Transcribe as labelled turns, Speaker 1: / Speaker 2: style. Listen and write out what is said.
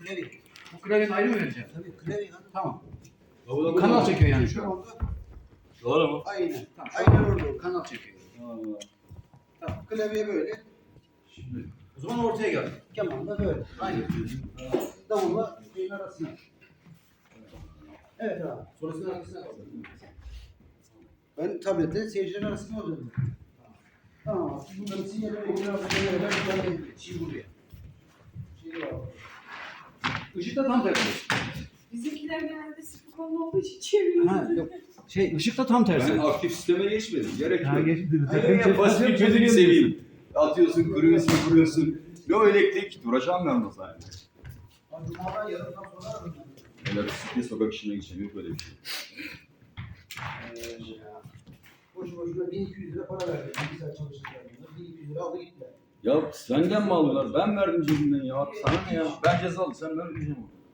Speaker 1: klavye.
Speaker 2: Bu klavyenin ayrı mı vereceğim?
Speaker 1: Tabii klavye.
Speaker 2: Tamam.
Speaker 3: Bu
Speaker 2: Kanal çekiyor yani şu an.
Speaker 3: Doğru mu?
Speaker 1: Aynen.
Speaker 2: Tamam.
Speaker 1: Aynen orada.
Speaker 2: Kanal çekiyor.
Speaker 1: Tamam. Klavye böyle.
Speaker 2: Şimdi o zaman ortaya gel.
Speaker 1: Keman da böyle. Aynen. Davulla şeyin arasına. Evet abi.
Speaker 2: Sonrasında arkasına kaldı.
Speaker 1: Ben tablette seyircilerin arasında alıyorum. Tamam. Bunların sinyalleri
Speaker 2: Şimdi buraya. Işık da tam tersi.
Speaker 4: Bizimkiler genelde spikonlu olduğu için çeviriyor.
Speaker 2: Ha, yok. Işık da tam tersi.
Speaker 3: Ben aktif sisteme geçmedim. Gerek yok.
Speaker 2: geçti.
Speaker 3: Hayır, basit bir çözüm seveyim. Atıyorsun, kuruyorsun. No elektrik. Duracağım ben o zaman.
Speaker 1: Cuma'dan yarından sonra aradım.
Speaker 3: Öyle bisiklet sokak işine geçeceğim. Yok öyle bir şey.
Speaker 1: Boşu boşuna 1200 lira para verdim. Bir saat çalıştılar. 1200 lira aldı gittiler.
Speaker 3: Ya senden mi aldılar? Ben verdim cebimden ya. Sana ne ya? Ben cezalı. Sen ben ödeyeceğim onu.